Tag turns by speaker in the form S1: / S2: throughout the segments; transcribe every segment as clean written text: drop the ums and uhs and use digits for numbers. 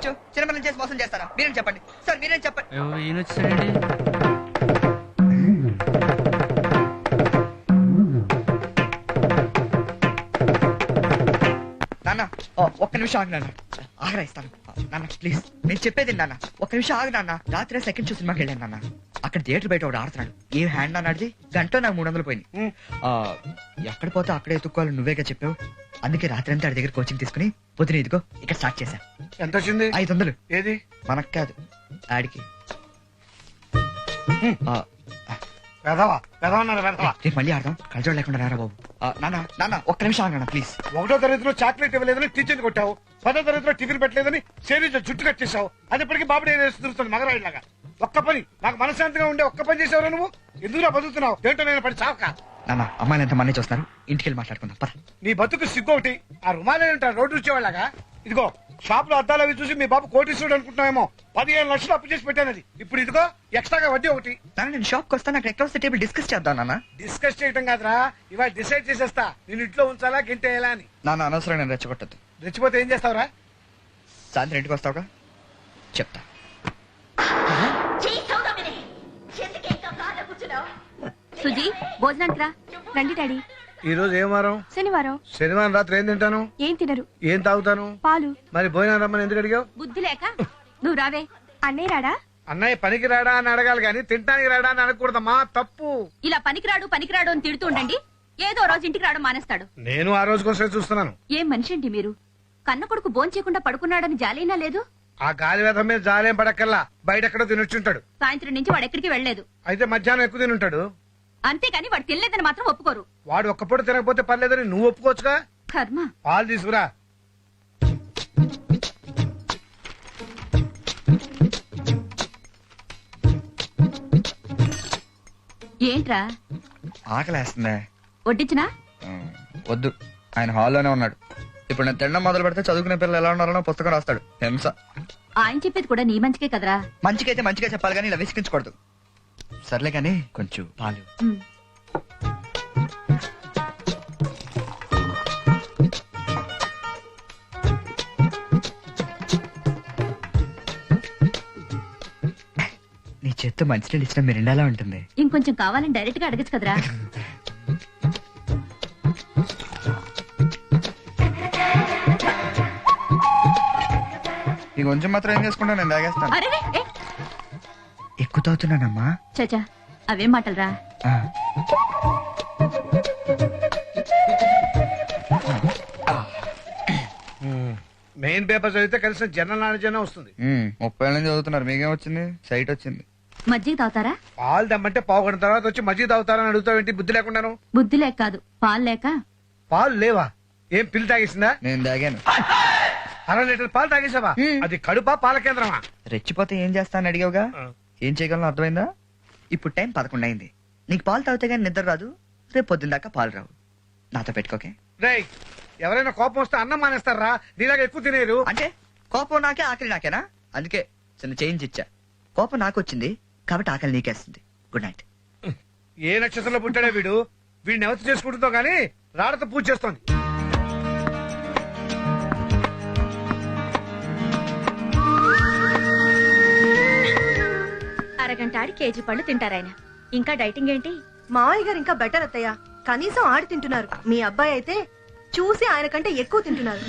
S1: చేయొచ్చు? చిన్నపిల్లలు చేసి మోసం చేస్తారా? మీరేం చెప్పండి సార్, మీరేం చెప్పండి.
S2: ఈయన వచ్చాడండి.
S1: నాన్న ఒక్క నిమిషం ఆగు నాన్న, ఆగరా ఇస్తాను నాన్న ప్లీజ్. నేను చెప్పేది నాన్న, ఒక్క నిమిషం ఆగు నాన్న. రాత్రి సెకండ్ షో సినిమాకి వెళ్ళాను నాన్న. అక్కడ థియేటర్ బయట ఒకటి ఆడుతున్నాడు. ఏ హ్యాండ్ నాన్న అడిది గంటలో నాకు 300 పోయింది. ఎక్కడ పోతే అక్కడే ఎత్తుక్కోవాలి నువ్వేగా చెప్పావు. అందుకే రాత్రి అంతా ఆడి దగ్గర కోచింగ్ తీసుకుని పొద్దున ఇదిగో ఇక్కడ స్టార్ట్ చేశా.
S3: ఎంత వచ్చింది?
S1: 500.
S3: ఏది?
S1: మనకు కాదు, ఆడికి. రేపు మళ్ళీ ఆడదాం, కలజోడు లేకుండా రారా బాబు. నాన్న నాన్న ఒక్క నిమిషం ఆగనా ప్లీజ్.
S3: 1వ తరగతిలో చాక్లెట్ ఇవ్వలేదని టీచర్ని కొట్టావు. 10వ తరగతిలో టిఫిన్ పెట్టలేదని సేరీలో జుట్టు కట్టేశావు. అది ఇప్పటికీ బాబుడే తిరుగుతుంది మగరాయిలాగా. ఒక్క పని నాకు మనశాంతిగా ఉండే ఒక్క పని చేసేవారు నువ్వు. ఎందుకురా బతుకుతున్నావు? ఏంటో నేను పడి చావక.
S1: నాన్న అమ్మాయిని ఎంత మనీ చూస్తున్నారు, ఇంటికి వెళ్ళి మాట్లాడుకుందాం పద.
S3: నీ బతుకు సిగ్గు ఒకటి. ఆ రుమాలే ఉంటారు రోడ్డు వచ్చేవాళ్ళగా. ఇదిగో షాప్ లో అద్దాలు అవి చూసి మీ బాబు కోటీశ్వరుడు అనుకుంటున్నామేమో. 15 లక్షలు అప్పు చేసి పెట్టానది. ఇప్పుడు ఇదిగో ఎక్స్ట్రాగా వడ్డీ ఒకటి.
S1: నాన్న నేను షాప్కి వస్తాను, నాకు ఎక్కడ వస్తే టేబుల్ డిస్కస్ చేద్దాం నాన్న.
S3: డిస్కస్ చేయటం కాదురా, ఇవాళ డిసైడ్ చేసేస్తా నేను ఇంట్లో ఉంచాలా గింటేయాలా అని.
S1: నాన్న అనవసరం నేను రెచ్చగొట్టద్దు.
S3: రెచ్చిపోతే ఏం చేస్తావురా?
S1: సాయంత్రం ఇంటికి వస్తావుగా చెప్తా.
S4: సుజీ భోజనానికి రా. రండి డాడీ.
S3: ఈ రోజు ఏం వారం?
S4: శనివారం.
S3: శనివారం రాత్రి ఏం తింటాను?
S4: ఏం తినరు.
S3: ఏం తాగుతాను?
S4: పాలు.
S3: మరి భోజనం రమ్మని ఎందుకు అడిగావు?
S4: బుద్ధి లేక. నువ్వు రావే. అన్నయ్య రాడా?
S3: అన్నయ్య పనికి రాడా అని అడగాలి కానీ తింటానికి రాడా అని అనకూడదమ్మా, తప్పు.
S4: ఇలా పనికిరాడు అని తిడుతూ ఉండండి, ఏదో రోజు ఇంటికి రావడం మానేస్తాడు.
S3: నేను ఆ రోజు కోసమే చూస్తున్నాను.
S4: ఏం మనిషి అండి మీరు? కన్న కొడుకు భోంచేయకుండా పడుకున్నాడని జాలైనా లేదు?
S3: ఆ గాలి వేధం మీద జాలేం పడక్కల్లా బయట ఎక్కడో తినొచ్చుంటాడు.
S4: సాయంత్రం నుంచి వాడు ఎక్కడికి వెళ్లేదు.
S3: అయితే మధ్యాహ్నం ఎక్కువ తినుంటాడు.
S4: అంతేగాని వాడు తినలేదని మాత్రం ఒప్పుకోరు.
S3: వాడు ఒక్క పూట తినకపోతే పర్లేదని నువ్వు ఒప్పుకోవచ్చుగా.
S4: కర్మ.
S3: పాలు తీసుకురా.
S4: ఏంట్రా?
S1: ఆకలేస్తుందే.
S4: వడ్డించినా?
S1: వద్దు, ఆయన హాల్లోనే ఉన్నాడు. ఇప్పుడు నేను తినడం మొదలు పెడితే చదువుకునే పిల్లలు ఎలా ఉన్నారో పుస్తకం రాస్తాడు. హింస.
S4: ఆయన చెప్పేది కూడా నీ మంచికే కదరా.
S1: మంచికైతే మంచిగా చెప్పాలి కానీ ఇలా విసిగించకూడదు. సర్లే కానీ కొంచెం పాలు. నీ చేత్తో మంచినీళ్ళు ఇచ్చిన మిరిండాలా ఉంటుంది.
S4: ఇంకొంచెం కావాలని డైరెక్ట్ గా అడగచ్చు కదరా.
S1: ఈ కొంచెం మాత్రం ఏం చేసుకుంటా, నేను తాగేస్తాను.
S4: అరే
S1: ఎక్కువ తాగుతున్నానమ్మా.
S4: చచా అవేం మాటలరా.
S3: మెయిన్ పేపర్ చదివితే కలిసిన జనరల్ నాలెడ్జ్ అనే వస్తుంది.
S1: 30 ఏళ్ళ నుంచి చదువుతున్నారు, మీకేం వచ్చింది? సైట్ వచ్చింది.
S4: మజ్జిగ తాగుతారా?
S3: పాలు దమ్మంటే పావు గంట తర్వాత వచ్చి మజ్జిగ తాగుతారని అడుగుతావేంటి? బుద్ధి లేకుండాను.
S4: బుద్ధి లేక కాదు, పాలు లేక.
S3: పాలు లేవా? ఏం పిల్లి తాగేసిందా?
S1: నేను తాగాను.
S3: 6 లీటర్ పాలు తాగేసావా? అది కడుపా పాల కేంద్రమా?
S1: రెచ్చిపోతే ఏం చేస్తానని అడిగావుగా, ఏం చేయగలను అర్థమైందా? ఇప్పుడు టైం 11 అయింది. నీకు పాలు తాగితే గానీ నిద్ర రాదు, రేపు పొద్దున్న దాకా పాలు రావు. నాతో పెట్టుకోకే.
S3: రేయ్, ఎవరైనా కోపం వస్తే అన్నం మానేస్తారా? నీలాగా ఎక్కువ తినేరు.
S1: అంటే కోపం నాకే, ఆకలి నాకేనా? అందుకే చిన్న చేంజ్ ఇచ్చా. కోపం నాకు వచ్చింది కాబట్టి ఆకలి నీకేస్తుంది. Good night.
S3: ఏ నక్షత్రంలో పుట్టాడే వీడు? వీడిని ఎవరు చేసుకుంటుందో గానీ రాడతో పూజ చేస్తోంది.
S4: అరగంట ఆడి కేజీ పళ్ళు తింటారాయన. ఇంకా డైటింగ్ ఏంటి?
S5: మావయ్య గారు ఇంకా బెటర్ అత్తయ్య. కనీసం ఆడి తింటున్నారు. మీ అబ్బాయి అయితే చూసి ఆయన కంటే ఎక్కువ తింటున్నారు.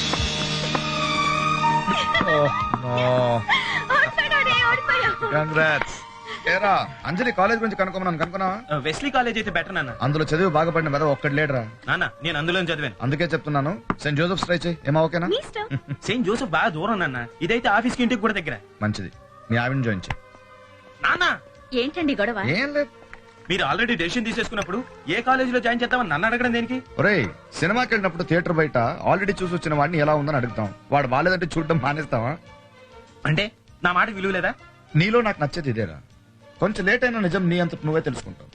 S1: అంజలి కాలేజ్ గురించి కనుక్కున్నావా?
S2: వెస్లీ కాలేజ్ అయితే బెటర్ నాన్న.
S1: అందులో చదివి బాగుపడిన మీద ఒక్కటి లేడరా
S2: నాన్న. నేను అందులో చదివాను,
S1: అందుకే చెప్తున్నాను. సెయింట్ జోసెఫ్ ట్రై చేయి. ఏమా ఓకేనా?
S2: సెయింట్ జోసెఫ్ బాగా దూరం నాన్న. ఇదైతే ఆఫీస్ కి ఇంటికి కూడా దగ్గర.
S1: మంచిది, మీ ఆవిడని జాయిన్ చేయి.
S2: నాన్న
S4: ఏంటండి గొడవ?
S1: ఏం లేదు.
S2: మీరు ఆల్రెడీ డెసిషన్ తీసేసుకున్నప్పుడు ఏ కాలేజీలో జాయిన్ చేద్దామని నన్ను అడగడం దేనికి?
S1: ఒరేయ్, సినిమాకి వెళ్ళినప్పుడు థియేటర్ బయట ఆల్రెడీ చూసి వచ్చిన వాడిని ఎలా ఉందని అడుగుతాం. వాడు బాలేదంటే చూడడం మానేస్తావా?
S2: అంటే నా మాట విలువ లేదా?
S1: నీలో నాకు నచ్చేది ఇదేరా. కొంచెం లేట్ అయినా నిజం నీ అంత నువ్వే తెలుసుకుంటావు.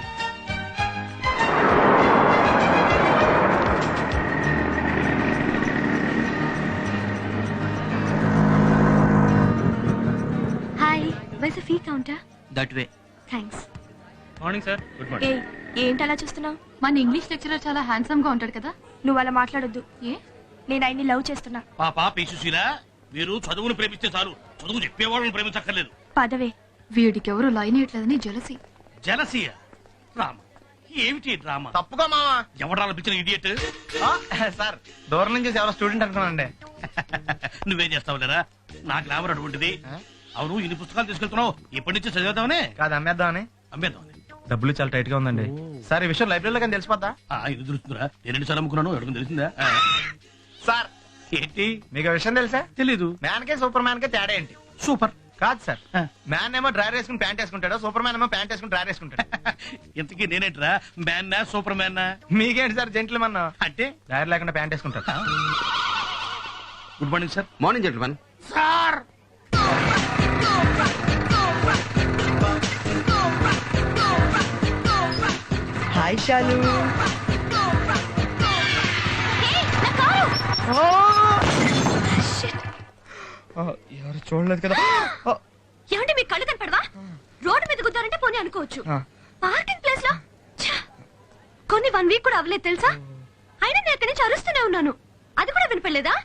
S4: Hi, where's the fee counter?
S2: That way.
S4: Thanks.
S2: Morning sir. Good morning.
S5: ఏంటి అలా చూస్తున్నావు?
S4: మన ఇంగ్లీష్ లెక్చరర్ చాలా హ్యాండ్సమ్ గా ఉంటాడు కదా.
S5: నువ్వు అలా మాట్లాడొద్దు.
S4: ఏ?
S5: నేను ఆయన్ని లవ్ చేస్తున్నా.
S6: పాపా పీసుశీల, మీరు చదువును ప్రేమిస్తే చాలు, చదువు చెప్పేవాళ్ళని ప్రేమించక్కర్లేదు.
S7: పదవే, వీడికెవరు లైన్ వేయట్లేదని జలసి.
S6: జలసియ డ్రామా ఏమిటి డ్రామా?
S8: తప్పుగా మావా.
S6: ఎవడాల పిచ్చిన ఇడియట్.
S8: సార్ దూరం నుంచి ఎవరో స్టూడెంట్ అనుకున్నానండి.
S6: నువ్వేం చేస్తావు లేరా? నా గ్లామర్ అటువంటిది. అవును, ఇన్ని పుస్తకాలు తీసుకెళ్తున్నావు, ఇప్పటి నుంచి చదివేద్దామని?
S8: కాదు, అమ్మేద్దామని.
S6: అమ్మేద్దామని.
S8: డబ్బులు చాలా టైట్ గా ఉందండి. సార్ ఈ విషయం లైబ్రరీలో కానీ తెలిసిపోద్దా?
S6: ఇది తెలుస్తుందిరా, నేను ఎన్నిసార్లు అమ్ముకున్నాను ఎవరికి తెలిసిందా?
S8: సార్
S6: ఏంటి?
S8: మీకు ఆ విషయం తెలుసా?
S6: తెలీదు.
S8: మ్యాన్ కే సూపర్ మ్యాన్ కే తేడా ఏంటి?
S6: సూపర్
S8: కాదు సార్, మ్యాన్ ఏమో డ్రైవర్ వేసుకుని ప్యాంట్ వేసుకుంటాడు, సూపర్ మ్యాన్ ఏమో ప్యాంట్ వేసుకుని డ్రైవర్ వేసుకుంటాడు.
S6: ఇంతకీ నేనేంట్రా, మ్యాన్నా సూపర్ మ్యాన్నా?
S8: మీకేంటి సార్ జెంట్లు మన
S6: అంటే
S8: డ్రైవర్ లేకుండా ప్యాంట్ వేసుకుంటాడు.
S6: Good morning sir.
S2: Morning gentlemen.
S6: Sir
S1: hi Shalu. ఎవరు చూడలేదు కదా.
S4: ఏమంటే మీకు కళ్ళు కనపడవా? రోడ్డు మీద గుద్దారంటే పోనీ అనుకోవచ్చు, పార్కింగ్ ప్లేస్ లో ఛ! కొన్ని 1 వీక్ కూడా అవ్వలేదు తెలుసా? అయినా నేను అక్కడి నుంచి అరుస్తూనే ఉన్నాను, అది కూడా వినపడలేదా?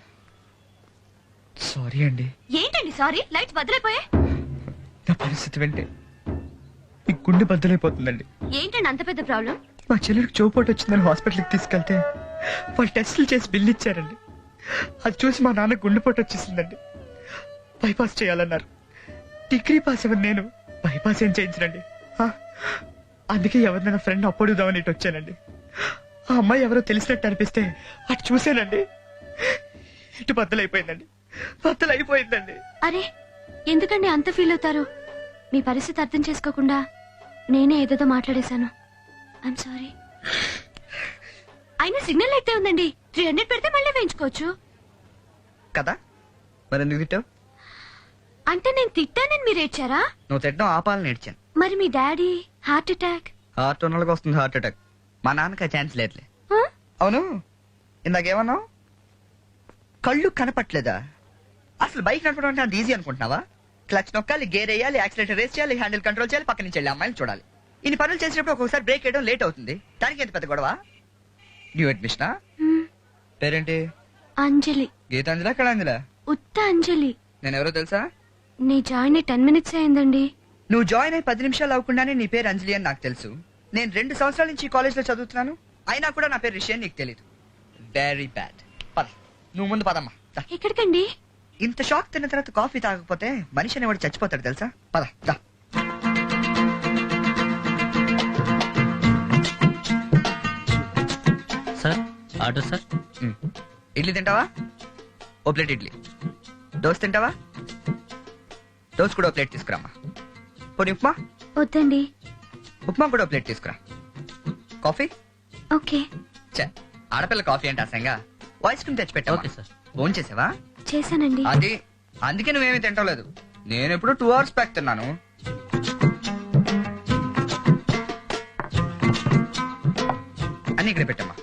S1: సారీ అండి.
S4: ఏంటండి సారీ? లైట్స్ బదులైపోయా?
S1: నా పరిస్థితి వింటే ఈ గుండె బద్దలైపోతుందండి.
S4: ఏంటండి అంత పెద్ద ప్రాబ్లం?
S1: మా చెల్లెడికి చోపోటు వచ్చిందని హాస్పిటల్కి తీసుకెళ్తే వాళ్ళు టెస్టులు చేసి బిల్లు ఇచ్చారండి. అది చూసి మా నాన్న గుండెపోటు వచ్చేసిందండి. బైపాస్ చేయాలన్నారు. డిగ్రీ పాస్ అవ్వను నేను, బైపాస్ ఏం చేయించనండి. అందుకే ఎవరినైనా ఫ్రెండ్ అప్పుడుదామని ఇటు వచ్చానండి. ఆ అమ్మాయి ఎవరో తెలిసినట్టు అనిపిస్తే అటు చూశానండి, ఇటు బద్దలైపోయిందండి. బద్దలైపోయిందండి.
S4: అరే ఎందుకండి అంత ఫీల్ అవుతారు? మీ పరిస్థితి అర్థం చేసుకోకుండా నేనే ఏదేదో మాట్లాడేశాను. I'm sorry. అయినా సిగ్నల్ అయితే ఉందండి, 300 పెడితే మళ్ళీ వేయించుకోవచ్చు
S1: కదా. మరి ఎందుకు తిట్టావు?
S4: అంటే నేను తిట్టానని మీరు ఏడ్చారా?
S1: నువ్వు తిట్టడం ఆపాలని నేర్చాను.
S4: మరి మీ డాడీ హార్ట్ అటాక్?
S1: హార్ట్ ఉన్నోళ్ళకి వస్తుంది హార్ట్ అటాక్, మా నాన్నకి ఛాన్స్ లేదులే. అవును, ఇందాకేమన్నావు? కళ్ళు కనపట్లేదా? అసలు బైక్ నడపడం అంటే అంత ఈజీ అనుకుంటున్నావా? క్లచ్ నొక్కాలి, గేర్ వేయాలి, యాక్సిలేటర్ రేస్ చేయాలి, హ్యాండిల్ కంట్రోల్ చేయాలి, పక్క నుంచి వెళ్ళి అమ్మాయిని చూడాలి. ఇన్ని పనులు చేసినప్పుడు ఒక్కొక్కసారి బ్రేక్ వేయడం లేట్ అవుతుంది. దానికి ఎంత పెద్ద గొడవ? న్యూ అడ్మిషనా? పేరేంటి?
S4: అంజలి.
S1: గీతాంజలా కళాంజలా?
S4: ఉత్త అంజలి.
S1: నేను ఎవరో తెలుసా?
S4: నీ జాయిన్ 10 minutes అయిందండి.
S1: నువ్వు జాయిన్ అయ్యి 10 నిమిషాలు అవ్వకుండానే నీ పేరు అంజలి అని నాకు తెలుసు. నేను 2 సంవత్సరాల నుంచి కాలేజ్ లో చదువుతున్నాను, అయినా కూడా నా పేరు రిషి అని నీకు తెలీదు. Very bad. పద, నువ్వు ముందు పదమ్మా. దా.
S4: ఎక్కడికండి?
S1: ఇంత షాక్ తిన్న తర్వాత కాఫీ తాగకపోతే మనిషి అనేవాడు చచ్చిపోతాడు తెలుసా? పద దా.
S9: Sir order sir.
S1: ఇడ్లీ తింటావా? ఓ ప్లేట్ ఇడ్లీ. దోశ తింటావా? దోశ కూడా ఓ ప్లేట్ తీసుకురామ్మా. పోనీ ఉప్మా?
S4: వద్దండి.
S1: ఉప్మా కూడా ఓ ప్లేట్ తీసుకురా. కాఫీ?
S4: ఓకే.
S1: చ, ఆడపిల్ల కాఫీ అంటే అసంగా. ఐస్ క్రీమ్ తెచ్చి పెట్టా.
S9: Okay sir.
S1: ఫోన్ చేసావా?
S4: చేశానండి.
S1: అది అందుకే నువ్వేమీ తింటలేదు. నేను ఎప్పుడు 2 hours బ్యాక్ తిన్నాను. అన్ని ఇక్కడ పెట్టమ్మా.